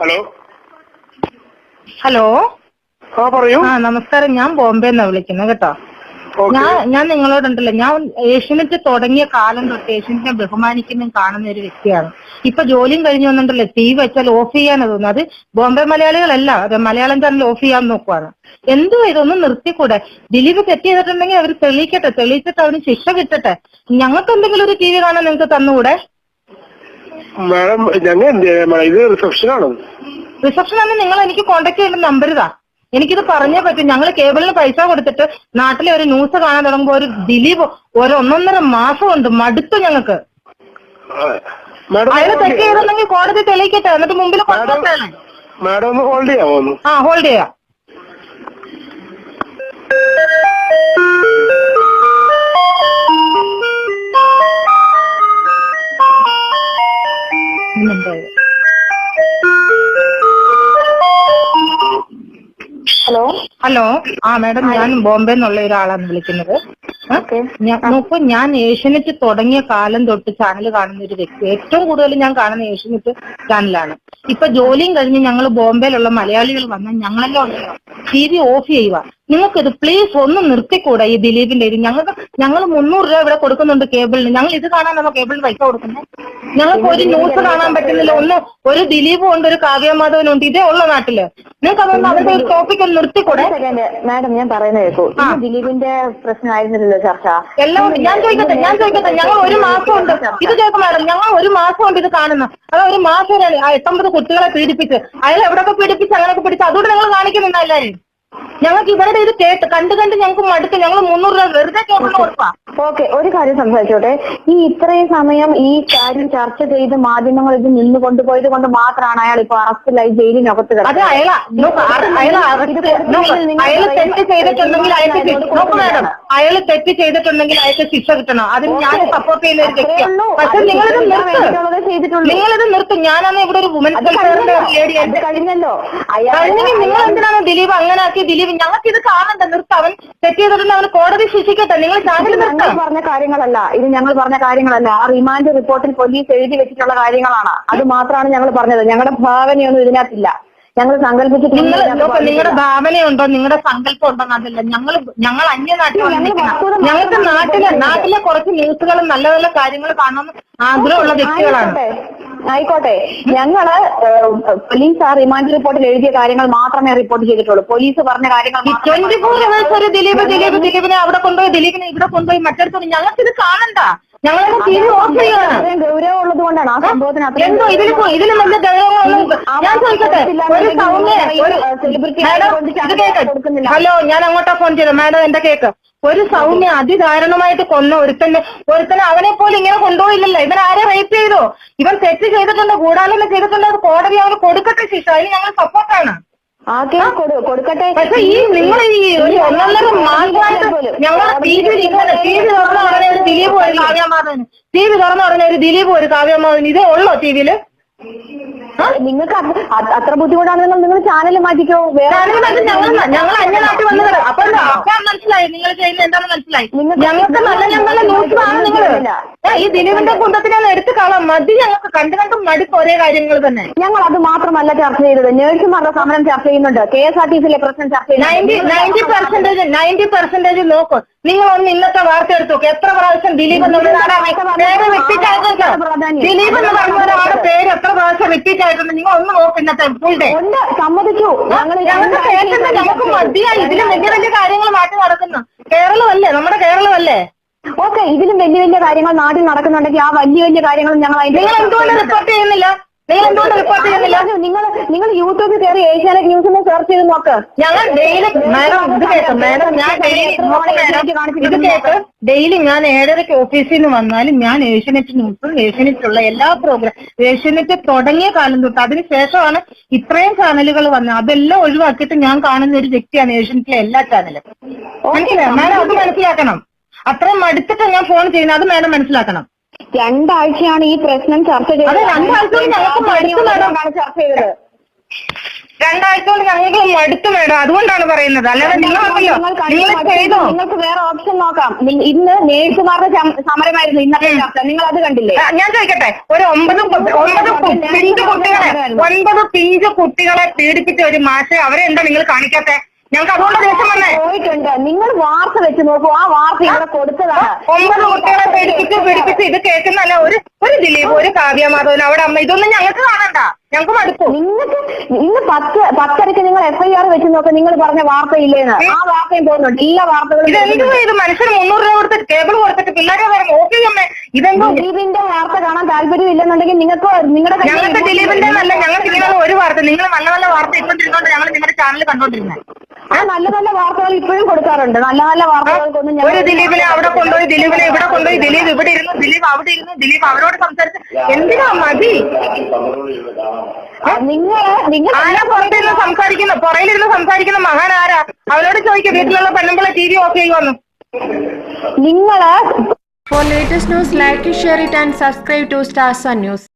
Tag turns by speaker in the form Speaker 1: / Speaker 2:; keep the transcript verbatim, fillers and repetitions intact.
Speaker 1: Hello
Speaker 2: hello
Speaker 1: ആ പറയൂ.
Speaker 2: ആ നമസ്കാരം. ഞാൻ ബോംബെന്നാ വിളിക്കുന്നത് കേട്ടോ. ഞാൻ ഞാൻ നിങ്ങളോടുണ്ടല്ലോ, ഞാൻ ഏഷ്യനെറ്റ് തുടങ്ങിയ കാലം തൊട്ട് ഏഷ്യനെറ്റിനെ ബഹുമാനിക്കുന്നതും കാണുന്ന ഒരു വ്യക്തിയാണ്. ഇപ്പൊ ജോലിയും കഴിഞ്ഞു വന്നിട്ടുണ്ടല്ലോ, ടി വി വെച്ചാൽ ഓഫ് ചെയ്യാനാ തോന്നുന്നത്. അത് ബോംബെ മലയാളികളല്ല, അത് മലയാളം ചാനൽ ഓഫ് ചെയ്യാൻ നോക്കുവാണ്. എന്തുവാ ഇതൊന്നും നിർത്തിക്കൂടെ? ദിലീപ് തെറ്റ് ചെയ്തിട്ടുണ്ടെങ്കിൽ അവർ തെളിയിക്കട്ടെ, തെളിയിച്ചിട്ട് അവന് ശിക്ഷ കിട്ടട്ടെ. ഞങ്ങൾക്ക് എന്തെങ്കിലും ഒരു ടി വി കാണാൻ നിങ്ങൾക്ക് തന്നുകൂടെ?
Speaker 1: മാഡം ഞങ്ങൾ എന്ത് ചെയ്യാൻ? ഇത് റിസപ്ഷനാണ്.
Speaker 2: റിസപ്ഷൻ ആണ്. നിങ്ങൾ എനിക്ക് കോൺടാക്ട് ചെയ്യേണ്ട നമ്പർ ഇതാ. എനിക്കിത് പറഞ്ഞേ പറ്റും. ഞങ്ങൾ കേബിളിന് പൈസ കൊടുത്തിട്ട് നാട്ടിലെ ഒരു ന്യൂസ് കാണാൻ തുടങ്ങുമ്പോ ഒരു ദിലീപ് ഒരു ഒന്നൊന്നര മാസം ഉണ്ട്. മടുത്തു ഞങ്ങൾക്ക്. അയാൾ തെറ്റ് ചെയ്തിട്ടുണ്ടെങ്കിൽ കോടതി തെളിയിക്കട്ടെ, എന്നിട്ട് മുമ്പിൽ കൊണ്ടുവരാണ്.
Speaker 1: മാഡം ഒന്ന് ഹോൾഡ് ചെയ്യാമോ?
Speaker 2: ആ ഹോൾഡ് ചെയ്യാം.
Speaker 3: ഹലോ
Speaker 2: ഹലോ ആ മാഡം, ഞാൻ ബോംബെ എന്നുള്ള ഒരാളാണ് വിളിക്കുന്നത്. നോക്കൂ, ഞാൻ ഏഷ്യനെറ്റ് തുടങ്ങിയ കാലം തൊട്ട് ചാനൽ കാണുന്ന ഒരു വ്യക്തി. ഏറ്റവും കൂടുതൽ ഞാൻ കാണുന്ന ഏഷ്യനെറ്റ് ചാനലാണ്. ഇപ്പൊ ജോലിയും കഴിഞ്ഞ് ഞങ്ങൾ ബോംബെയിലുള്ള മലയാളികൾ വന്നാൽ ഞങ്ങളെല്ലാം ഉണ്ടല്ലോ ടി വി ഓഫ് ചെയ്യുക. നിങ്ങൾക്കിത് പ്ലീസ് ഒന്ന് നിർത്തിക്കൂടെ ഈ ദിലീപിന്റെ ഇത്? ഞങ്ങൾക്ക് ഞങ്ങൾ മുന്നൂറ് രൂപ ഇവിടെ കൊടുക്കുന്നുണ്ട് കേബിളിന്. ഞങ്ങൾ ഇത് കാണാനാണോ കേബിളിന് പൈസ കൊടുക്കുന്നത്? ഞങ്ങൾക്ക് ഒരു ന്യൂസ് കാണാൻ പറ്റുന്നില്ല. ഒന്ന് ഒരു ദിലീപും ഉണ്ട്, ഒരു കാവ്യമാധവനും ഉണ്ട്. ഇതേ ഉള്ള നാട്ടില്. നിങ്ങൾക്ക് അതുകൊണ്ട് അവരുടെ ഒരു ടോപ്പിക് ഒന്ന് നിർത്തിക്കൂടെ?
Speaker 3: മാഡം ഞാൻ പറയുന്നത് കേൾക്കൂ. ദിലീപിന്റെ പ്രശ്നമായിരുന്നില്ലല്ലോ ചർച്ച.
Speaker 2: എല്ലാം ഉണ്ട്. ഞാൻ ചോദിക്കട്ടെ ഞാൻ ചോദിക്കട്ടെ ഞങ്ങൾ ഒരു മാസം ഉണ്ട് ഇത് കേൾക്കും മാഡം. ഞങ്ങൾ ഒരു മാസം ഉണ്ട് ഇത് കാണുന്ന. അത് ഒരു മാസം എട്ടൊമ്പത് കുട്ടികളെ പീഡിപ്പിച്ച് അയാൾ എവിടെയൊക്കെ പീഡിപ്പിച്ച് അങ്ങനെയൊക്കെ പിടിച്ച് അതുകൊണ്ട് നിങ്ങൾ കാണിക്കുന്നുണ്ട് എല്ലാവരും. ഞങ്ങൾക്ക് ഇവരുടെ ഇത് കേട്ട് കണ്ടു കണ്ട് ഞങ്ങൾക്ക് മടുത്ത്. ഞങ്ങൾ മുന്നൂറ് രൂപ വെറുതെ കേൾക്കുന്ന കൊടുപ്പാ.
Speaker 3: ഓക്കെ, ഒരു കാര്യം സംസാരിച്ചോട്ടെ. ഈ ഇത്രയും സമയം ഈ കാര്യം ചർച്ച ചെയ്ത് മാധ്യമങ്ങൾ ഇത് നിന്ന് കൊണ്ടുപോയത് കൊണ്ട് മാത്രമാണ് അയാൾ ഇപ്പൊ അറസ്റ്റിലായി ജയിലിനകത്ത് കിടക്കുന്നത്.
Speaker 2: അത് അയാൾ അയാൾ തെറ്റ് ചെയ്തിട്ടുണ്ടെങ്കിൽ അയാൾക്ക് നോക്കൂ മാഡം, അയാൾ തെറ്റ് ചെയ്തിട്ടുണ്ടെങ്കിൽ അയാൾക്ക് ശിക്ഷ കിട്ടണം. അതിന് ഞാൻ സപ്പോർട്ട് ചെയ്യുന്ന ഒരു വ്യക്തിയാണ്. പക്ഷെ നിങ്ങളിത് നിർത്തും, നിങ്ങളിത് നിർത്തും. ഞാനാണ് ഇവിടെ ഒരു വുമൻസ് വെൽഫെയറിന്റെ ലേഡിയായിട്ട്
Speaker 3: കഴിഞ്ഞല്ലോ.
Speaker 2: കഴിഞ്ഞെങ്കിൽ നിങ്ങൾ എന്തിനാണ് ദിലീപ് അങ്ങനെ ആക്കി? ദിലീപ് ഞങ്ങൾക്ക് ഇത് കാണണ്ട, നിർത്തും. അവൻ തെറ്റ് ചെയ്തിട്ടുണ്ട്, അവന് കോടതി ശിക്ഷിക്കട്ടെ. നിങ്ങൾ ചാനൽ നിർത്തും.
Speaker 3: പറഞ്ഞ കാര്യങ്ങളല്ല ഇത്, ഞങ്ങൾ പറഞ്ഞ കാര്യങ്ങളല്ല. ആ റിമാൻഡ് റിപ്പോർട്ടിൽ പോലീസ് എഴുതി വെച്ചിട്ടുള്ള കാര്യങ്ങളാണ്. അത് മാത്രമാണ് ഞങ്ങൾ പറഞ്ഞത്. ഞങ്ങളുടെ ഭാവനയൊന്നും ഇതിനകത്തില്ല. ഞങ്ങൾ സങ്കല്പിച്ചിട്ട്
Speaker 2: നിങ്ങളുടെ ഭാവനയുണ്ടോ, നിങ്ങളുടെ സങ്കല്പം ഉണ്ടോ എന്നതല്ല. ഞങ്ങൾ ഞങ്ങൾ അന്യനാട്ടിൽ വന്നിരിക്കണം. ഞങ്ങൾക്ക് നാട്ടിലെ നാട്ടിലെ കുറച്ച് ന്യൂസുകളും നല്ല നല്ല കാര്യങ്ങൾ കാണണമെന്ന് ആഗ്രഹമുള്ള വ്യക്തികളാണ്.
Speaker 3: ആയിക്കോട്ടെ, ഞങ്ങള് പോലീസ് ആ റിമാൻഡ് റിപ്പോർട്ടിൽ എഴുതിയ കാര്യങ്ങൾ മാത്രമേ റിപ്പോർട്ട് ചെയ്തിട്ടുള്ളൂ. പോലീസ് പറഞ്ഞ കാര്യങ്ങൾ
Speaker 2: ട്വന്റി ഫോർ അവേഴ്സ് ഒരു ദിലീപ് ദിലീപ് ദിലീപിനെ അവിടെ കൊണ്ടുപോയി, ദിലീപിനെ ഇവിടെ കൊണ്ടുപോയി, മറ്റടുത്ത് ഞങ്ങൾക്ക് ഇത് കാണണ്ട. ഞങ്ങളെ ടി വി ഓഫ് ചെയ്യണം.
Speaker 3: ഗൗരവം ഉള്ളത് കൊണ്ടാണ് ആ സംഭവത്തിന്
Speaker 2: എന്തോ ഇതിന് ഇതിന് നല്ല ഗൗരവങ്ങളൊന്നും. ഞാൻ ചോദിക്കട്ടെ, ഒരു സൗമ്യ ഹലോ, ഞാൻ അങ്ങോട്ടാ ഫോൺ ചെയ്തത്. മാഡം എന്റെ കേക്ക്. ഒരു സൗമ്യ അതിദാരുണമായിട്ട് കൊന്ന ഒരുത്തന്നെ ഒരുത്തന്നെ അവനെ പോലും ഇങ്ങനെ കൊണ്ടുപോയില്ലല്ലോ. ഇവൻ ആരെ റേപ്പ് ചെയ്തോ? ഇവൻ തെറ്റ് ചെയ്തിട്ടുണ്ട്, ഗൂഢാലോചന ചെയ്തിട്ടുണ്ട്. അത് കോടതി അവന് കൊടുക്കട്ടെ ശിക്ഷ. അതിന് ഞങ്ങൾ സപ്പോർട്ടാണ്.
Speaker 3: കൊടുക്കട്ടെ.
Speaker 2: പക്ഷെ ഈ നിങ്ങൾ ഈ ഒരു ഒന്നൊന്നര മാസമായിട്ട് ഞങ്ങളെ ടി വി ഇങ്ങനെ ടി വി തുറന്ന ഉടനെ ഒരു ദിലീപ് ഒരു കാവ്യമാധവൻ, ടി വി തുറന്ന ഉടനെ ഒരു ദിലീപ് ഒരു കാവ്യമാധവൻ, ഇതേ ഉള്ളോ ടി വിയില്?
Speaker 3: നിങ്ങൾക്ക് അത്ര ബുദ്ധിമുട്ടാണെങ്കിൽ നിങ്ങൾ ചാനൽ മാറ്റിക്കോ.
Speaker 2: ഞങ്ങൾ ഞങ്ങൾ അന്യനാട്ടിൽ വന്നത്. അപ്പൊ അപ്പൊ മനസ്സിലായി നിങ്ങൾ ചെയ്യുന്നത് എന്താണെന്ന് മനസ്സിലായി. ഞങ്ങൾക്ക് നല്ല ഞങ്ങളുടെ ന്യൂസ് ആണ് നിങ്ങൾ. ഈ ദിലീപിന്റെ കുന്തത്തിനെ എടുത്ത് കാണാം. മതി, ഞങ്ങൾക്ക് കണ്ടു കണ്ടും മടുപ്പ് ഒരേ കാര്യങ്ങൾ തന്നെ.
Speaker 3: ഞങ്ങൾ അത് മാത്രമല്ല ചർച്ച ചെയ്തത്. നേഴ്സുമാരുടെ സമരം ചർച്ച ചെയ്യുന്നുണ്ട്. കെ എസ് ആർ ടി സിയിലെ പ്രശ്നം ചർച്ച ചെയ്യുന്നുണ്ട്.
Speaker 2: നയൻറ്റി പെർസെന്റേജ് നയൻറ്റി പെർസെന്റേജ് നോക്കും. നിങ്ങൾ ഒന്ന് ഇന്നത്തെ വാർത്ത എടുത്തു നോക്കും. എത്ര പ്രാവശ്യം ദിലീപ് എന്നുള്ള പേര് റിപ്പീറ്റ് ആയിട്ടുണ്ട്. ദിലീപ് എന്ന് പറഞ്ഞ ഒരാളുടെ പേര് എത്ര പ്രാവശ്യം റിപ്പീറ്റ് ആയിട്ടുണ്ട്. നിങ്ങൾ ഒന്ന് നോക്കും ഇന്നത്തെ ഫുൾ ഡേ.
Speaker 3: സമ്മതിച്ചു.
Speaker 2: ഞങ്ങൾക്ക് കേൾക്കുന്ന ഞങ്ങൾക്ക് മതിയായി. ഇതിലും വലിയ വലിയ കാര്യങ്ങൾ നാട്ടിൽ നടക്കുന്നു. കേരളമല്ലേ, നമ്മുടെ കേരളമല്ലേ?
Speaker 3: ഓക്കെ, ഇതിലും വലിയ വലിയ കാര്യങ്ങൾ നാട്ടിൽ നടക്കുന്നുണ്ടെങ്കിൽ ആ വലിയ വലിയ കാര്യങ്ങൾ ഞങ്ങൾ
Speaker 2: നിങ്ങൾ എന്തുകൊണ്ട് റിപ്പോർട്ട് ചെയ്യുന്നില്ല? നിങ്ങൾ എന്തുകൊണ്ട് റിപ്പോർട്ട് ചെയ്യുന്നില്ല?
Speaker 3: നിങ്ങൾ നിങ്ങൾ യൂട്യൂബിൽ കയറി ഏഷ്യാനെറ്റ് ന്യൂസിൽ സെർച്ച് ചെയ്ത് നോക്ക്.
Speaker 2: ഞങ്ങൾ ഡെയിലി മാഡം ഇത് കേട്ടോ മാഡം, ഞാൻ ഡെയിലി ഇത് കേട്ട് ഡെയിലി ഞാൻ ഏഴരയ്ക്ക് ഓഫീസിൽ നിന്ന് വന്നാലും ഞാൻ ഏഷ്യാനെറ്റ് ന്യൂസും ഏഷ്യാനെറ്റിലുള്ള എല്ലാ പ്രോഗ്രാം ഏഷ്യാനെറ്റ് തുടങ്ങിയ കാലം തൊട്ട് അതിനുശേഷമാണ് ഇത്രയും ചാനലുകൾ വന്നത്. അതെല്ലാം ഒഴിവാക്കിയിട്ട് ഞാൻ കാണുന്ന ഒരു വ്യക്തിയാണ് ഏഷ്യാനെറ്റിലെ എല്ലാ ചാനലും. മനസ്സിലായോ മാഡം? അത് മനസ്സിലാക്കണം. അത്രയും മടുത്തിട്ട് ഞാൻ ഫോൺ ചെയ്യുന്നത്, അത് മാഡം മനസ്സിലാക്കണം.
Speaker 3: രണ്ടാഴ്ചയാണ് ഈ പ്രശ്നം ചർച്ച ചെയ്തത്.
Speaker 2: രണ്ടാഴ്ച ഞങ്ങൾക്ക് മടുത്തു മാഡം.
Speaker 3: ചർച്ച ചെയ്തത്
Speaker 2: രണ്ടാഴ്ച കൊണ്ട് ഞങ്ങൾക്ക് മടുത്തു മാഡം. അതുകൊണ്ടാണ് പറയുന്നത്. അല്ലാതെ നിങ്ങളല്ലോ നിങ്ങൾ ചെയ്തോ?
Speaker 3: നിങ്ങൾക്ക് വേറെ ഓപ്ഷൻ നോക്കാം. ഇന്ന് നേഴ്സുമാരുടെ സമരമായിരുന്നു ഇന്നത്തെ ചർച്ച. നിങ്ങൾ അത് കണ്ടില്ലേ?
Speaker 2: ഞാൻ ചോദിക്കട്ടെ, ഒരു ഒമ്പത് ഒമ്പത് പിഞ്ചു കുട്ടികളെ ഒൻപത് പിഞ്ചു കുട്ടികളെ പീഡിപ്പിച്ച ഒരു മാഷെ അവരെ എന്താ നിങ്ങൾ കാണിക്കാത്തെ? ഞങ്ങൾക്ക് അതുകൊണ്ട് ദേഷ്യം വന്നേ.
Speaker 3: പോയിട്ടുണ്ട്. നിങ്ങൾ വാർത്ത വെച്ച് നോക്കൂ, ആ വാർത്ത ഇവിടെ കൊടുത്തതാണ്.
Speaker 2: ഒമ്പത് കുട്ടികളെ പീഡിപ്പിച്ച് പീഡിപ്പിച്ച് ഇത് കേൾക്കുന്നല്ല ഒരു ഒരു ദിലീപ്, ഒരു കാവ്യ മാധവൻ, അവിടെ അമ്മ, ഇതൊന്നും ഞങ്ങൾക്ക് കാണണ്ട, ഞങ്ങൾക്ക് മടുത്തു.
Speaker 3: നിങ്ങൾക്ക് ഇന്ന് പത്ത് പത്തരക്ക് നിങ്ങൾ എഫ് ഐ ആർ വെച്ച് നോക്കാം. നിങ്ങൾ പറഞ്ഞ വാർത്തയില്ലേന്ന്, ആ വാർത്തയും പോകുന്നുണ്ട്. എല്ലാ വാർത്തകളും
Speaker 2: ഇതെന്തോ ഇത് മനുഷ്യന് മുന്നൂറ് രൂപ കൊടുത്തിട്ട് കേബിൾ കൊടുത്തിട്ട് പിള്ളേരെ വരെ നോക്കിയമ്മേ. ഇതെന്തോ
Speaker 3: ദിലീപിന്റെ വാർത്ത കാണാൻ താല്പര്യം ഇല്ലെന്നുണ്ടെങ്കിൽ നിങ്ങൾക്ക് നിങ്ങളുടെ
Speaker 2: ഞങ്ങൾക്ക് ദിലീപിന്റെ നല്ല, ഞങ്ങൾക്ക് ഇങ്ങനെയുള്ള ഒരു വാർത്ത, നിങ്ങൾ നല്ല നല്ല വാർത്ത ഇട്ടുകൊണ്ടിരുന്നോണ്ട് ഞങ്ങൾ നിങ്ങളുടെ ചാനൽ കണ്ടോണ്ടിരുന്നത്.
Speaker 3: ആ നല്ല നല്ല വാർത്തകൾ ഇപ്പോഴും കൊടുക്കാറുണ്ട്. നല്ല നല്ല വാർത്തകൾക്കൊന്നും
Speaker 2: ഒരു ദിലീപിനെ അവിടെ കൊണ്ടുപോയി, ദിലീപിനെ ഇവിടെ കൊണ്ടുപോയി, ദിലീപ് ഇവിടെ ഇരുന്നു, ദിലീപ് അവിടെ ഇരുന്നു, ദിലീപ് അവരോട് സംസാരിച്ച് എന്തിനാ മതി?
Speaker 3: നിങ്ങൾ നിങ്ങൾ
Speaker 2: ആരാ പുറത്തിരുന്ന് സംസാരിക്കുന്ന, പുറയിലിരുന്ന് സംസാരിക്കുന്ന മഹാൻ ആരാ? അവരോട് ചോദിക്കും വീട്ടിലുള്ള പെണ്ണുമ്പളെ ടി വി ഓഫ് ചെയ്യുവാന്ന്.
Speaker 3: നിങ്ങള്
Speaker 4: For latest news, like, share it and subscribe to Stars Sun News.